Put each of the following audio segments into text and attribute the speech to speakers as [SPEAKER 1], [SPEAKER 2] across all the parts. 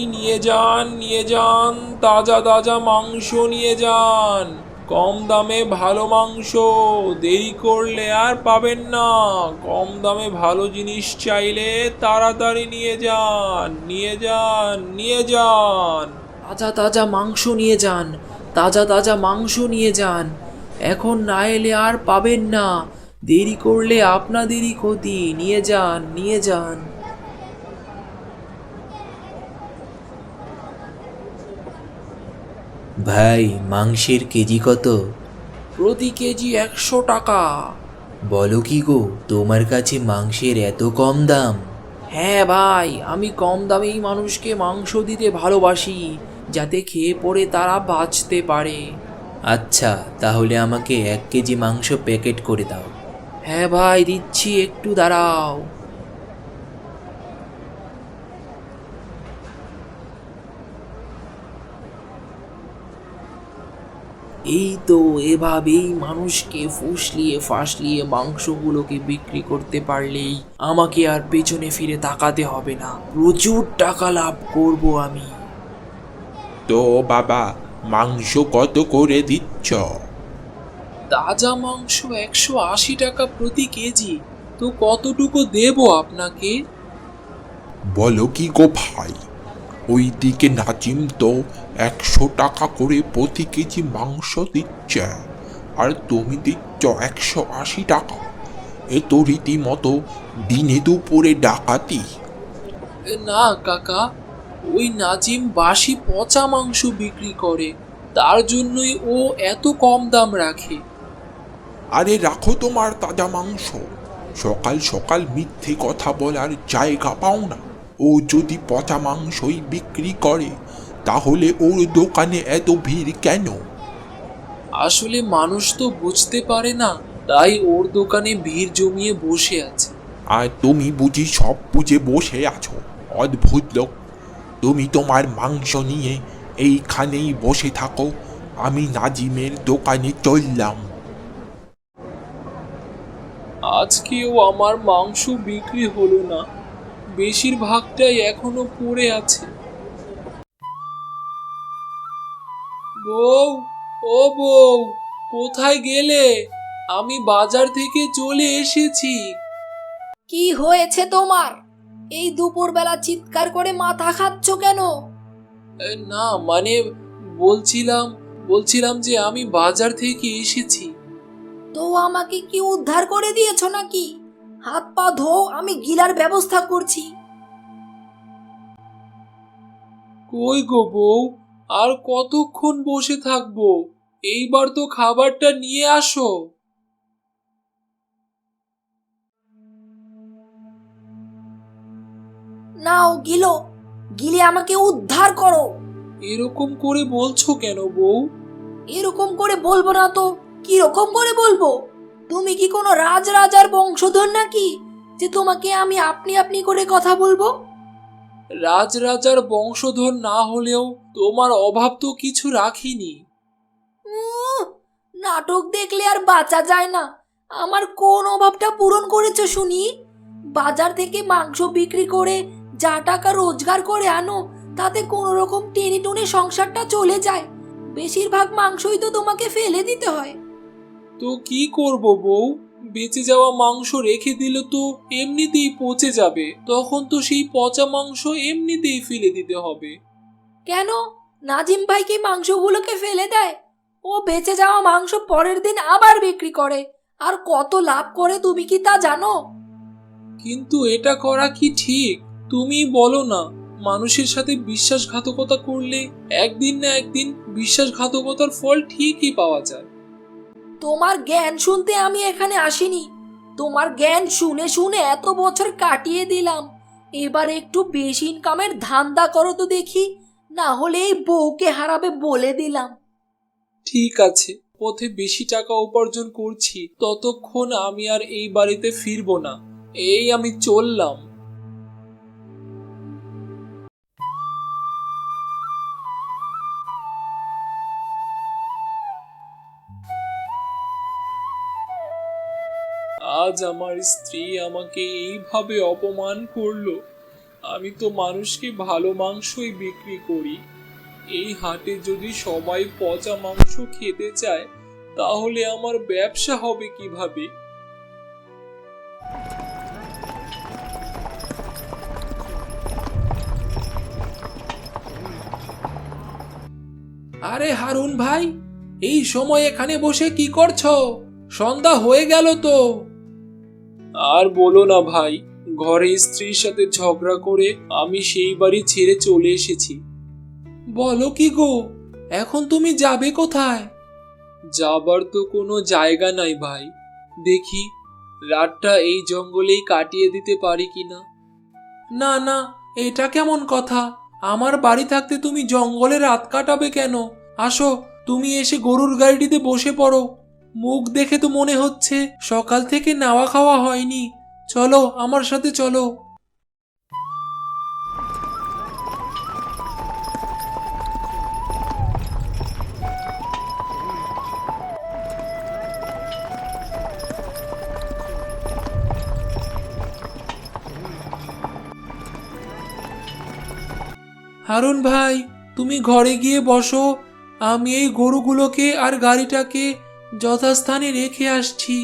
[SPEAKER 1] নিয়ে যান, তাজা তাজা মাংস নিয়ে যান। কম দামে ভালো মাংস, দেরি করলে আর পাবেন না। কম দামে ভালো জিনিস চাইলে তাড়াতাড়ি নিয়ে যান, নিয়ে যান, নিয়ে যান।
[SPEAKER 2] তাজা তাজা মাংস নিয়ে যান, তাজা তাজা মাংস নিয়ে যান। এখন না এলে আর পাবেন না। দেরি করলে আপনাদেরই ক্ষতি। নিয়ে যান, নিয়ে যান।
[SPEAKER 3] ভাই, মাংসের কেজি কত?
[SPEAKER 2] প্রতি কেজি 100 টাকা।
[SPEAKER 3] বলো কি গো, তোমার কাছে মাংসের এত কম দাম?
[SPEAKER 2] হ্যাঁ ভাই, আমি কম দামেই মানুষকে মাংস দিতে ভালোবাসি, যাতে খেয়ে পরে তারা বাঁচতে পারে।
[SPEAKER 3] আচ্ছা, তাহলে আমাকে 1 কেজি মাংস প্যাকেট করে দাও।
[SPEAKER 2] হ্যাঁ ভাই, দিচ্ছি, একটু দাঁড়াও। এই তো, এভাবেই মানুষকে ফুসলিয়ে ফাসলিয়ে মাংসগুলোকে বিক্রি করতে পারলেই আমাকে আর পেছনে ফিরে তাকাতে হবে না। প্রচুর টাকা লাভ করব আমি।
[SPEAKER 1] তো বাবা, মাংস কত করে দিচ্ছ?
[SPEAKER 2] তাজা মাংস 180 টাকা প্রতি কেজি। তো কতটুকু দেবো আপনাকে?
[SPEAKER 1] বলো কি গো ভাই, ওইদিকে নাজিম তো 100 টাকা করে প্রতি কেজি মাংস দিচ্ছে, আর তুমি দিচ্ছ 180 টাকা। এ তো রীতিমতো দিনে দুপুরে ডাকাতি।
[SPEAKER 2] না কাকা, ওই নাজিম বাসি পচা মাংস বিক্রি করে, তার জন্যই ও এত কম দাম রাখে।
[SPEAKER 1] আরে রাখো তোমার তাজা মাংস, সকাল সকাল মিথ্যে কথা বলার জায়গা পাও না। ও যদি পচা মাংসই বিক্রি করে, তাহলে ওর দোকানে এত ভিড় কেন?
[SPEAKER 2] আসলে মানুষ তো বুঝতে পারে না, তাই ওর দোকানে ভিড় জমিয়ে বসে আছে।
[SPEAKER 1] আর তুমি বুঝি সব বুঝে বসে আছো? অদ্ভুত লোক। তুমি তোমার মাংস নিয়ে এইখানেই বসে থাকো, আমি নাজিমের দোকানে চললাম।
[SPEAKER 2] আজকেও আমার মাংস বিক্রি হলো না, বেশিরভাগটাই এখনো পড়ে আছে। বউ, ও বউ, কোথায় গেলে? আমি বাজার থেকে চলে এসেছি।
[SPEAKER 4] কি হয়েছে তোমার? এই দুপুরবেলা চিৎকার করে মাথা খাচ্ছ কেন?
[SPEAKER 2] না মানে, বলছিলাম বলছিলাম যে আমি বাজার থেকে এসেছি।
[SPEAKER 4] তো আমাকে কি উদ্ধার করে দিয়েছো নাকি? হাত পা ধো, আমি গিলার ব্যবস্থা করছি।
[SPEAKER 2] কই গো বউ, আর কতক্ষণ বসে থাকবো? এইবার তো খাবারটা নিয়ে আসো।
[SPEAKER 4] নাও গিলো, গিলে আমাকে উদ্ধার করো।
[SPEAKER 2] এরকম করে বলছো কেন বউ?
[SPEAKER 4] এরকম করে বলবো না তো কি রকম করে বলবো? তুমি কি কোনো রাজার বংশধর নাকি যে তোমাকে আমি আপনি আপনি করে কথা বলবো?
[SPEAKER 2] রাজরাজার বংশধর না হলেও তোমার অভাব তো কিছু রাখিনি।
[SPEAKER 4] উহ, নাটক দেখলে আর বাঁচা যায় না। আমার কোন অভাবটা পূরণ করেছো শুনি? বাজার থেকে মাংস বিক্রি করে যা টাকা রোজগার করে আনো, তাতে কোনো রকম টেনে টুনে সংসারটা চলে যায়। বেশিরভাগ মাংসই তো তোমাকে ফেলে দিতে হয়।
[SPEAKER 2] তো কি করব বউ? বেঁচে যাওয়া মাংস রেখে দিলে তো এমনিতেই পচে যাবে, তখন তো সেই পচা মাংস এমনিতেই ফেলে দিতে হবে।
[SPEAKER 4] কেন? নাজিম ভাই কি মাংসগুলোকে ফেলে দেয়? ও বেঁচে যাওয়া মাংস পরের দিন আবার বিক্রি করে, আর কত লাভ করে তুমি কি তা জানো?
[SPEAKER 2] কিন্তু এটা করা কি ঠিক? তুমি বলো না, মানুষের সাথে বিশ্বাসঘাতকতা করলে একদিন না একদিন বিশ্বাসঘাতকতার ফল ঠিকই পাওয়া যায়।
[SPEAKER 4] তোমার জ্ঞান শুনতে আমি এখানে আসিনি। তোমার জ্ঞান শুনে শুনে এত বছর কাটিয়ে দিলাম। এবার একটু বেশি ইনকামের ধান্দা করো তো দেখি, না হলে এই বউকে হারাবে বলে দিলাম।
[SPEAKER 2] ঠিক আছে, পথে বেশি টাকা উপার্জন করছি ততক্ষণ আমি আর এই বাড়িতে ফিরবো না। এই আমি চললাম। আজ আমার স্ত্রী আমাকে এইভাবে অপমান করলো, আমি তো মানুষকে ভালো মাংসই বিক্রি করি। এই হাটে যদি সবাই পচা মাংস খেতে চায় তাহলে আমার ব্যবসা হবে কিভাবে? আরে হারুন ভাই, এই সময় এখানে বসে কি করছো? সন্ধ্যা হয়ে গেল তো। আর বলো না ভাই, ঘরে স্ত্রীর সাথে ঝগড়া করে আমি সেই বাড়ি ছেড়ে চলে এসেছি। বলো কি গো, এখন তুমি যাবে কোথায়? যাবার তো কোনো জায়গা নাই ভাই, দেখি রাতটা এই জঙ্গলেই কাটিয়ে দিতে পারি কিনা। না না, এটা কেমন কথা? আমার বাড়ি থাকতে তুমি জঙ্গলে রাত কাটাবে কেন? আসো, তুমি এসে গরুর গাড়িটিতে বসে পড়ো। মুখ দেখে তো মনে হচ্ছে সকাল থেকে নাওয়া খাওয়া হয়নি। চলো, আমার সাথে চলো। হারুন ভাই, তুমি ঘরে গিয়ে বসো, আমি এই গরুগুলোকে আর গাড়িটাকে যথাস্থানে রেখে আসছি।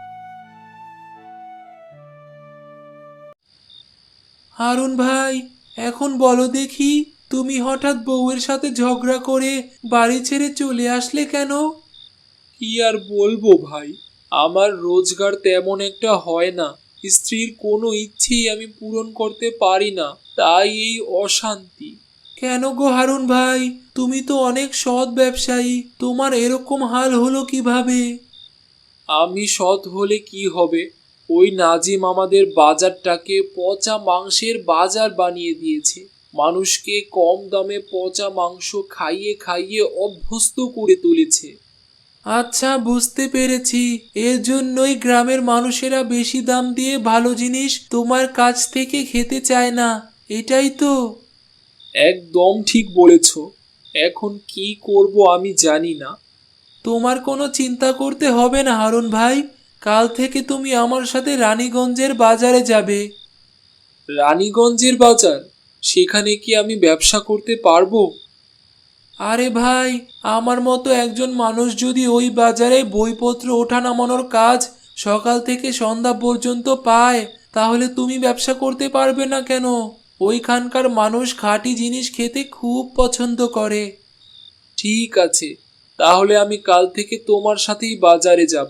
[SPEAKER 2] হারুন ভাই, এখন বলো দেখি, তুমি হঠাৎ বউয়ের সাথে ঝগড়া করে বাড়ি ছেড়ে চলে আসলে কেন? কি আর বলবো ভাই, আমার রোজগার তেমন একটা হয় না, স্ত্রীর কোনো ইচ্ছেই আমি পূরণ করতে পারি না, তাই এই অশান্তি। কেন গো হারুন ভাই, তুমি তো অনেক সৎ ব্যবসায়ী, তোমার এরকম হাল হলো কিভাবে? আমি সৎ হলে কি হবে, ওই নাজিম আমাদের বাজারটাকে পচা মাংসের বাজার বানিয়ে দিয়েছে। মানুষকে কম দামে পচা মাংস খাইয়ে খাইয়ে অভ্যস্ত করে তুলেছে। আচ্ছা, বুঝতে পেরেছি, এর জন্যই গ্রামের মানুষেরা বেশি দাম দিয়ে ভালো জিনিস তোমার কাছ থেকে খেতে চায় না, এটাই তো? একদম ঠিক বলেছ। এখন কি করব আমি জানি না। তোমার কোনো চিন্তা করতে হবে না হারুন ভাই, কাল থেকে তুমি আমার সাথে রানীগঞ্জের বাজারে যাবে। রানীগঞ্জের বাজার? সেখানে কি আমি ব্যবসা করতে পারবো? আরে ভাই, আমার মতো একজন মানুষ যদি ওই বাজারে বইপত্র ওঠা নামানোর কাজ সকাল থেকে সন্ধ্যা পর্যন্ত পায়, তাহলে তুমি ব্যবসা করতে পারবে না কেন? ওইখানকার মানুষ খাঁটি জিনিস খেতে খুব পছন্দ করে। ঠিক আছে, তাহলে আমি কাল থেকে তোমার সাথেই বাজারে যাব।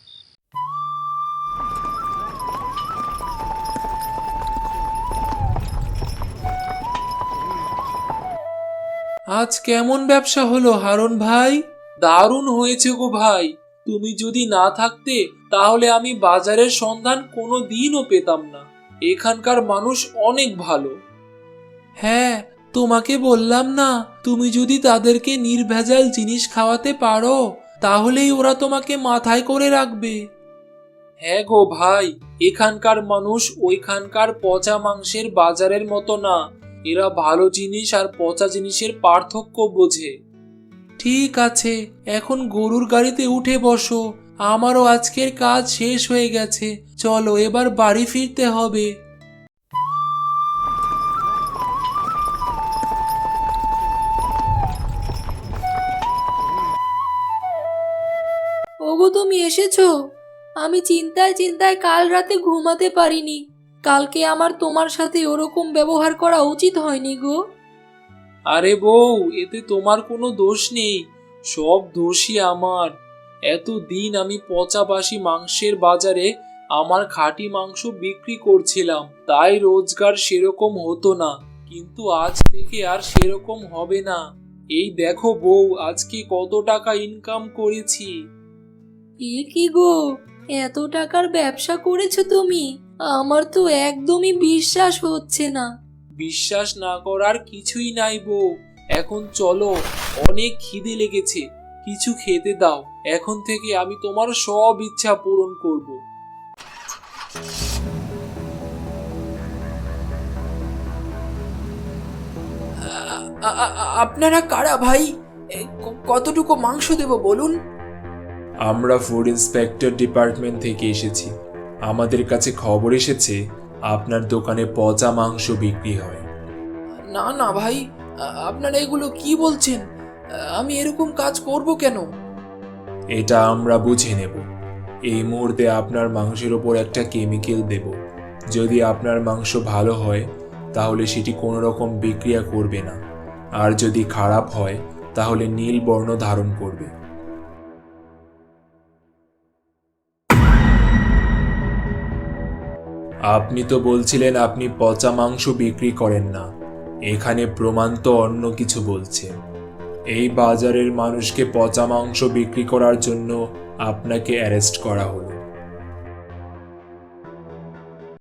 [SPEAKER 2] আজ কেমন ব্যবসা হলো হারুন ভাই? দারুণ হয়েছে গো ভাই, তুমি যদি না থাকতে তাহলে আমি বাজারের সন্ধান কোনো দিনও পেতাম না। এখানকার মানুষ অনেক ভালো। হ্যাঁ, তোমাকে বললাম না, তুমি যদি তাদেরকে নির্ভেজাল জিনিস খাওয়াতে পারো তাহলেই ওরা তোমাকে মাথায় করে রাখবে। হ্যাঁ গো ভাই, এখানকার মানুষ ওইখানকার পচা মাংসের বাজারের মতো না, এরা ভালো জিনিস আর পচা জিনিসের পার্থক্য বোঝে। ঠিক আছে, এখন গরুর গাড়িতে উঠে বসো, আমারও আজকের কাজ শেষ হয়ে গেছে, চলো এবার বাড়ি ফিরতে হবে।
[SPEAKER 4] ওগো, তুমি এসেছো? আমি চিন্তায় চিন্তায় কাল রাতে ঘুমাতে পারিনি। কালকে আমার তোমার সাথে ওরকম ব্যবহার করা উচিত হয়নি গো।
[SPEAKER 2] আরে বউ, এতে তোমার কোনো দোষ নেই, সব দোষই আমার। এতদিন আমি পচা বাসি মাংসের বাজারে আমার খাঁটি মাংস বিক্রি করছিলাম, তাই রোজগার সেরকম হতো না, কিন্তু আজ থেকে আর সেরকম হবে না। এই দেখো বউ, আজকে কত টাকা ইনকাম করেছি।
[SPEAKER 4] এ কি গো, এত টাকার ব্যবসা করেছো তুমি? আমার তো একদমই বিশ্বাস হচ্ছে না।
[SPEAKER 2] বিশ্বাস না করার কিছুই নাই বউ, এখন চলো, অনেক খিদে লেগেছে, কিছু খেতে দাও, এখন থেকে আমি তোমার সব ইচ্ছা পূরণ করব। আপনারা কারা ভাই? কতটুকু মাংস দেব বলুন?
[SPEAKER 5] আমরা ফুড ইন্সপেক্টর ডিপার্টমেন্ট থেকে এসেছি। আমাদের কাছে খবর এসেছে আপনার দোকানে পচা মাংস বিক্রি হয়।
[SPEAKER 2] না না ভাই, আপনারা এগুলো কি বলছেন? আমি এরকম কাজ করব কেন?
[SPEAKER 5] এটা আমরা বুঝে নেব। এই মুহূর্তে আপনার মাংসের ওপর একটা কেমিক্যাল দেব। যদি আপনার মাংস ভালো হয় তাহলে সেটি কোনো রকম বিক্রিয়া করবে না, আর যদি খারাপ হয় তাহলে নীল বর্ণ ধারণ করবে। আপনি তো বলছিলেন আপনি পচা মাংস বিক্রি করেন না, এখানে প্রমাণ তো অন্য কিছু বলছে। এই বাজারের মানুষকে পচা মাংস বিক্রি করার জন্য আপনাকে অ্যারেস্ট করা হলো।